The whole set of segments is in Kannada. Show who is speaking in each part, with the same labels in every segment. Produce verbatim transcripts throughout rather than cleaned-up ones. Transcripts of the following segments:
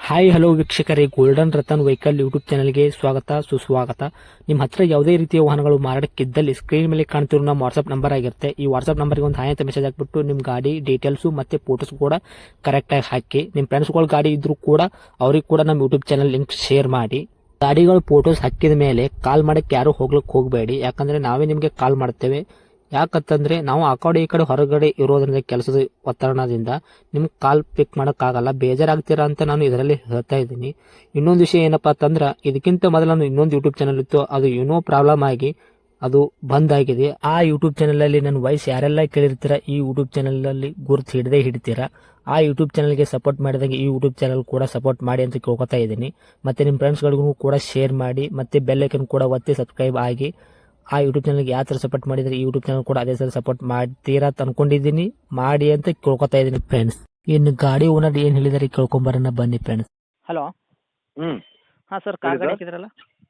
Speaker 1: ಹಾಯ್ ಹಲೋ ವೀಕ್ಷಕರೇ, ಗೋಲ್ಡನ್ ರತನ್ ವೆಹಿಕಲ್ ಯೂಟ್ಯೂಬ್ ಚಾನಲ್ಗೆ ಸ್ವಾಗತ ಸುಸ್ವಾಗತ. ನಿಮ್ಮ ಹತ್ರ ಯಾವುದೇ ರೀತಿಯ ವಾಹನಗಳು ಮಾರಾಟಕ್ಕಿದ್ದಲ್ಲಿ ಸ್ಕ್ರೀನ್ ಮೇಲೆ ಕಾಣ್ತಿರೋ ನಮ್ಮ ವಾಟ್ಸ್ಆಪ್ ನಂಬರ್ ಆಗಿರುತ್ತೆ. ಈ ವಾಟ್ಸ್ಆಪ್ ನಂಬರ್ಗೆ ಒಂದು ಹಾಯ್ ಅಂತ ಮೆಸೇಜ್ ಹಾಕ್ಬಿಟ್ಟು ನಿಮ್ಮ ಗಾಡಿ ಡೀಟೇಲ್ಸು ಮತ್ತೆ ಫೋಟೋಸ್ ಕೂಡ ಕರೆಕ್ಟಾಗಿ ಹಾಕಿ. ನಿಮ್ಮ ಫ್ರೆಂಡ್ಸ್ಗಳ ಗಾಡಿ ಇದ್ರೂ ಕೂಡ ಅವ್ರಿಗೆ ಕೂಡ ನಮ್ಮ ಯೂಟ್ಯೂಬ್ ಚಾನಲ್ ಲಿಂಕ್ ಶೇರ್ ಮಾಡಿ. ಗಾಡಿಗಳು ಫೋಟೋಸ್ ಹಾಕಿದ ಮೇಲೆ ಕಾಲ್ ಮಾಡಕ್ಕೆ ಯಾರು ಹೋಗ್ಲಿಕ್ಕೆ ಹೋಗಬೇಡಿ, ಯಾಕಂದ್ರೆ ನಾವೇ ನಿಮಗೆ ಕಾಲ್ ಮಾಡ್ತೇವೆ. ಯಾಕಂತಂದ್ರೆ ನಾವು ಆ ಕಡೆ ಈ ಕಡೆ ಹೊರಗಡೆ ಇರೋದ್ರಿಂದ ಕೆಲಸದ ಒತ್ತಡದಿಂದ ನಿಮ್ಗೆ ಕಾಲ್ ಪಿಕ್ ಮಾಡೋಕ್ಕಾಗಲ್ಲ, ಬೇಜಾರಾಗ್ತೀರಾ ಅಂತ ನಾನು ಇದರಲ್ಲಿ ಹೇಳ್ತಾ ಇದ್ದೀನಿ. ಇನ್ನೊಂದು ವಿಷಯ ಏನಪ್ಪಾ ಅಂತಂದ್ರೆ, ಇದಕ್ಕಿಂತ ಮೊದಲು ನಾನು ಇನ್ನೊಂದು ಯೂಟ್ಯೂಬ್ ಚಾನಲ್ ಇತ್ತು, ಅದು ಏನೋ ಪ್ರಾಬ್ಲಮ್ ಆಗಿ ಅದು ಬಂದ್ ಆಗಿದೆ. ಆ ಯೂಟ್ಯೂಬ್ ಚಾನಲ್ ಅಲ್ಲಿ ನನ್ನ ವಾಯ್ಸ್ ಯಾರೆಲ್ಲ ಕೇಳಿರ್ತೀರಾ, ಈ ಯೂಟ್ಯೂಬ್ ಚಾನಲ್ ಅಲ್ಲಿ ಗುರುತು ಹಿಡದೆ ಹಿಡಿತೀರಾ. ಆ ಯೂಟ್ಯೂಬ್ ಚಾನಲ್ಗೆ ಸಪೋರ್ಟ್ ಮಾಡಿದಾಗ ಈ ಯೂಟ್ಯೂಬ್ ಚಾನಲ್ ಕೂಡ ಸಪೋರ್ಟ್ ಮಾಡಿ ಅಂತ ಕೇಳ್ಕೊತಾ ಇದ್ದೀನಿ. ಮತ್ತೆ ನಿಮ್ಮ ಫ್ರೆಂಡ್ಸ್ಗಳಿಗೂ ಕೂಡ ಶೇರ್ ಮಾಡಿ, ಮತ್ತೆ ಬೆಲ್ ಐಕನ್ ಕೂಡ ಒತ್ತಿ ಸಬ್ಸ್ಕ್ರೈಬ್ ಆಗಿ. ಆ ಯೂಟ್ಯೂಬ್ ಚಾನಲ್ಗೆ ಯಾವ ಥರ ಸಪೋರ್ಟ್ ಮಾಡಿದ್ರೆ ಈ ಯೂಟ್ಯೂಬ್ ಚಾನಲ್ ಕೂಡ ಅದೇ ಥರ ಸಪೋರ್ಟ್ ಮಾಡ್ತೀರಾ ಅಂತ ಅನ್ಕೊಂಡಿದ್ದೀನಿ. ಮಾಡಿ ಅಂತ ಕೇಳ್ಕೊತಾ ಇದ್ದೀನಿ ಫ್ರೆಂಡ್ಸ್. ಇನ್ನು ಗಾಡಿ ಓನರ್ ಏನು ಹೇಳಿದಾರೆ ಕೇಳ್ಕೊಂಬರೋಣ ಬನ್ನಿ ಫ್ರೆಂಡ್ಸ್. ಹಲೋ.
Speaker 2: ಹ್ಞೂ
Speaker 1: ಹಾಂ ಸರ್,
Speaker 2: ಹೇಳಿ
Speaker 1: ಕಾರ್ ಗಾಡಿ
Speaker 2: ಸರ್.
Speaker 1: ಹಾಕಿದ್ರಲ್ಲ.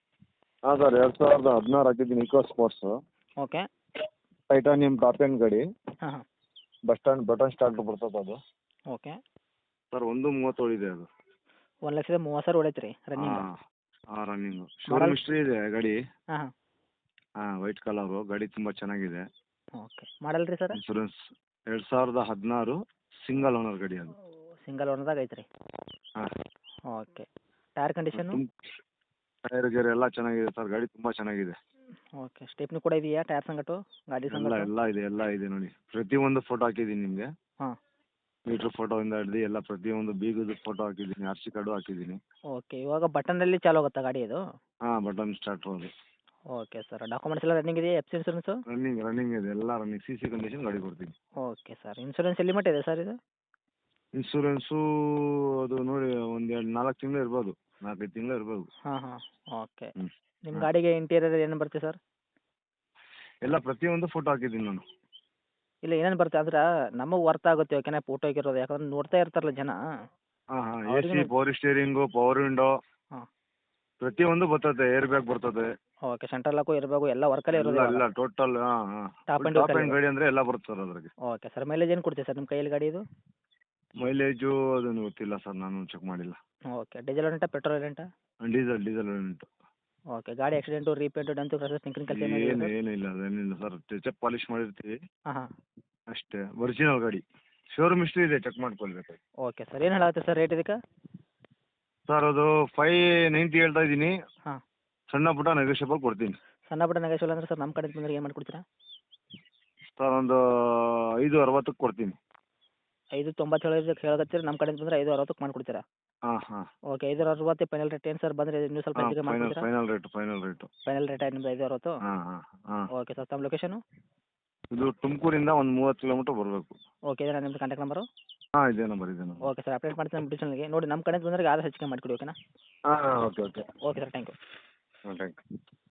Speaker 2: ಹಾಂ ಸರ್, ಎರಡು ಸಾವಿರದ ಹದಿನಾರು ಹಾಕಿದ್ದೀನಿ Eco Sports.
Speaker 1: Okay.
Speaker 2: Titanium top end ಗಾಡಿ.
Speaker 1: ಹಾಂ ಹಾಂ.
Speaker 2: ಬಸ್ ಸ್ಟ್ಯಾಂಡ್ ಬಟನ್ ಸ್ಟಾರ್ಟ್ ಬರ್ತದೆ ಅದು.
Speaker 1: ಓಕೆ.
Speaker 2: ಸರ್ ಒಂದು ಮೂವತ್ತು ಇದೆ ಅದು.
Speaker 1: ಒಂದು ಲಕ್ಷದ ಮೂವತ್ತು ಸಾವಿರ ಹೊಡೈತೆ ರೀ ರನ್ನಿಂಗ್.
Speaker 2: ಹಾಂ ಹಾಂ ರನ್ನಿಂಗು ಶೋರೂಮ್ ಹಿಸ್ಟ್ರಿ ಇದೆ ಗಾಡಿ.
Speaker 1: ಹಾಂ ಹಾಂ.
Speaker 2: ಹಾಂ ವೈಟ್ ಕಲರು ಗಾಡಿ ತುಂಬ ಚೆನ್ನಾಗಿದೆ.
Speaker 1: ಓಕೆ. ಮಾಡಲ್ ರೀ ಸರ್?
Speaker 2: ಇನ್ಶೂರೆನ್ಸ್ ಎರಡು ಸಾವಿರದ ಹದಿನಾರು ಸಿಂಗಲ್ ಓನರ್ ಗಾಡಿ ಅದು.
Speaker 1: ಸಿಂಗಲ್ ಓನರ್ದಾಗ ಐತೆ ರೀ.
Speaker 2: ಹಾಂ.
Speaker 1: Okay. Tyre condition?
Speaker 2: Tyre gear ಎಲ್ಲ ಚೆನ್ನಾಗಿದೆ ಸರ್, ಗಾಡಿ ತುಂಬ ಚೆನ್ನಾಗಿದೆ.
Speaker 1: ಓಕೆ. ಸ್ಟೆಪ್ನಿ ಕೂಡ ಇದೆಯಾ ಟೈರ್ ಸಂಗಟು ಗಾಡಿ
Speaker 2: ಎಲ್ಲ
Speaker 1: ಸಂಗಟು?
Speaker 2: ಎಲ್ಲ ಇದೆ ಎಲ್ಲ ಇದೆ ನೋಡಿ, ಪ್ರತಿಯೊಂದು ಫೋಟೋ ಹಾಕಿದ್ದೀನಿ ನಿಮಗೆ.
Speaker 1: ಹಾಂ.
Speaker 2: ಮೀಟ್ರ್ ಫೋಟೋಯಿಂದ ಹಿಡ್ದು ಎಲ್ಲ ಪ್ರತಿಯೊಂದು ಬೀಗದ ಫೋಟೋ ಹಾಕಿದ್ದೀನಿ, ಆರ್ ಸಿ ಕಾರ್ಡು ಹಾಕಿದ್ದೀನಿ.
Speaker 1: ಓಕೆ. ಇವಾಗ ಬಟನ್ನಲ್ಲಿ ಚಾಲು ಆಗುತ್ತಾ ಗಾಡಿ ಇದು?
Speaker 2: ಹಾಂ ಬಟನ್ ಸ್ಟಾರ್ಟ್ ಅದು.
Speaker 1: Okay sir. ಡಾಕ್ಯುಮೆಂಟ್ಸ್ ಎಲ್ಲ ರನ್ನಿಂಗ್ ಇದೆಯಾ? F C insurance?
Speaker 2: Running running ಇದೆ ಎಲ್ಲ ರನ್ನಿಂಗ್, ಸಿ ಸಿ ಕಂಡೀಷನ್ ಗಾಡಿ ಕೊಡ್ತೀನಿ.
Speaker 1: Okay sir. ಇನ್ಸೂರೆನ್ಸ್ ಎಲ್ಲಿ ಮಟ್ಟ ಇದೆ ಸರ್ ಇದು?
Speaker 2: ಇನ್ಶೂರೆನ್ಸು ಅದು ನೋಡಿ ಒಂದು ಎರಡು ನಾಲ್ಕು ತಿಂಗಳು ಇರ್ಬೋದು, ನಾಲ್ಕೈದು ತಿಂಗಳು ಇರ್ಬೋದು.
Speaker 1: ಹಾಂ ಹಾಂ. ಓಕೆ.
Speaker 2: ಹ್ಞೂ.
Speaker 1: ನಿಮ್ಮ
Speaker 2: ಹಾಂ.
Speaker 1: ಗಾಡಿಗೆ ಇಂಟೀರಿಯರ್ ಏನು ಬರುತ್ತೆ ಸರ್?
Speaker 2: ಎಲ್ಲ ಪ್ರತಿಯೊಂದು ಫೋಟೋ ಹಾಕಿದ್ದೀನಿ ನಾನು.
Speaker 1: ಇಲ್ಲ ಏನೇನು ಬರುತ್ತೆ ಅಂದ್ರೆ ನಮಗೆ ವರ್ತ್ ಆಗುತ್ತೆ, ಓಕೆನಾ? ಫೋಟೋ ಹಾಕಿರೋದು ಯಾಕಂದ್ರೆ ನೋಡ್ತಾ ಇರ್ತಾರಲ್ಲ ಜನ.
Speaker 2: ಹಾಂ ಹಾಂ ಎ ಸಿ,
Speaker 1: ಅವ್ರಿಗೂ.
Speaker 2: ಪವರ್ ಸ್ಟೇರಿಂಗು, ಪವರ್ ವಿಂಡೋ
Speaker 1: ಹಾಂ.
Speaker 2: ಪ್ರತಿಯೊಂದು ಬರ್ತದೆ, ಏರ್ ಬ್ಯಾಗ್ ಬರ್ತದೆ.
Speaker 1: ಓಕೆ. ಸೆಂಟ್ರಲ್ ಲಾಕು ಇರಬೇಕು, ಎಲ್ಲ ವರ್ಕಲ್ಲೇ ಇರೋದು
Speaker 2: ಎಲ್ಲ
Speaker 1: ಇವಾಗ?
Speaker 2: ಎಲ್ಲ ಟೋಟಲ್ ಹಾಂ ಹಾಂ
Speaker 1: ಟಾಪ್ ಆ್ಯಂಡ್
Speaker 2: ಟಾಪ್
Speaker 1: ವರ್ಕಲ್ಲಿ
Speaker 2: ಆ್ಯಂಡ್ ಗಾಡಿ ಅಂದರೆ ಎಲ್ಲ ಬರುತ್ತೆ ಸರ್ ಅದ್ರಾಗೆ.
Speaker 1: Okay sir. ಮೈಲೇಜ್ ಏನು ಕೊಡ್ತೀವಿ ಸರ್ ನಿಮ್ಮ ಕೈಯಲ್ಲಿ ಗಾಡಿ ಇದು?
Speaker 2: ಮೈಲೇಜು ಅದನ್ನು ಗೊತ್ತಿಲ್ಲ ಸರ್, ನಾನು ಚೆಕ್ ಮಾಡಿಲ್ಲ.
Speaker 1: ಓಕೆ. ಡೀಸೆಲ್ ರೆಂಟಾ ಪೆಟ್ರೋಲ್ ರೆಂಟಾ?
Speaker 2: ಡೀಸೆಲ್ ಡೀಸೆಲ್ ಉಂಟು.
Speaker 1: ಓಕೆ. ಗಾಡಿ accident repaint dent crashes tinkering ಕೆಲಸ ಏನಿಲ್ಲ
Speaker 2: ಏನು
Speaker 1: ಸರ್?
Speaker 2: ಏನಿಲ್ಲ ಅದೇನಿಲ್ಲ ಸರ್, ಟಚಪ್ ಪಾಲಿಶ್ ಮಾಡಿರ್ತೀವಿ
Speaker 1: ಹಾಂ ಹಾಂ.
Speaker 2: ಅಷ್ಟೇ, ಒರಿಜಿನಲ್ ಗಾಡಿ. ಶೋರೂಮ್ ಹಿಸ್ಟ್ರಿ ಇದೆ, ಚೆಕ್ ಮಾಡ್ಕೊಳ್ಬೇಕು.
Speaker 1: Okay sir. ಏನು ಹೇಳಾಗುತ್ತೆ ಸರ್ ರೇಟ್ ಇದಕ್ಕೆ?
Speaker 2: ಸರ್ ಅದು ಫೈ ನೈಂಟಿ ಹೇಳ್ತಾ ಇದ್ದೀನಿ.
Speaker 1: ಹಾಂ.
Speaker 2: ಸಣ್ಣ ಪುಟ್ಟ ನೆಗೋಷಿಯಬಲ್ ಕೊಡ್ತೀನಿ.
Speaker 1: ಸಣ್ಣ ಪುಟ್ಟ ನೆಗೋಷಿಯಬಲ್ ಅಂದ್ರೆ ಸರ್ ನಮ್ಮ ಕಡೆ ಬಂದರೆ ಏನು ಮಾಡಿಕೊಡ್ತೀರಾ?
Speaker 2: ಸರ್ ಒಂದು ಐದು ಅರವತ್ತಕ್ಕೆ ಕೊಡ್ತೀನಿ.
Speaker 1: ಐದು ತೊಂಬತ್ತು ಹೇಳೋದಕ್ಕೆ ಹೇಳಕತ್ತೀರಿ, ನಮ್ಮ ಕಡೆಯಿಂದ ಬಂದರೆ ಐದು ಅರವತ್ತಕ್ಕೆ ಮಾಡಿಕೊಡ್ತೀರಾ?
Speaker 2: ಹಾಂ ಹಾಂ
Speaker 1: ಓಕೆ. ಐದು ಅರವತ್ತು ಫೈನಲ್ ರೇಟ್ ಏನು ಸರ್? ಬಂದರೆ ಇನ್ನೂ ಸ್ವಲ್ಪ
Speaker 2: ಹಾಂ
Speaker 1: ಹೆಚ್ಚಿಗೆ
Speaker 2: ಫೈನಲ್
Speaker 1: ಮಾಡಿಕೊಡ್ತೀರಾ?
Speaker 2: Final rate final rate
Speaker 1: final rate ನಿಮ್ಮದು ಐದು ಅರವತ್ತು?
Speaker 2: ಹಾಂ ಹಾಂ ಹಾಂ.
Speaker 1: Okay sir. ತಮ್ಮ ಲೊಕೇಶನು?
Speaker 2: ಇದು ತುಮಕೂರಿಂದ ಒಂದು ಮೂವತ್ತು ಕಿಲೋಮೀಟ್ರ್ ಬರಬೇಕು.
Speaker 1: ಓಕೆ. ಇದೇನಾ ನಿಮ್ಮದು ಕಾಂಟ್ಯಾಕ್ಟ್ ನಂಬರು?
Speaker 2: ಹಾಂ ಇದೇ ನಂಬರ್ ಇದೆ ನಂಬರ್.
Speaker 1: Okay sir. ಅಪ್ಡೇಟ್ ಮಾಡ್ತೀನಿ ನಮ್ಮ ಡಿಟೇಲ್ಸ್ಗೆ ನೋಡಿ, ನಮ್ಮ ಕಡೆಯಿಂದ ಬಂದರೆ ಆದಷ್ಟು ಹೆಚ್ಚಿಗೆ ಮಾಡಿಕೊಡಿ, ಓಕೆನಾ?
Speaker 2: ಹಾಂ ಹಾಂ okay okay.
Speaker 1: Okay sir. Thank you.
Speaker 2: ಹಾಂ ಥ್ಯಾಂಕ್ ಯು.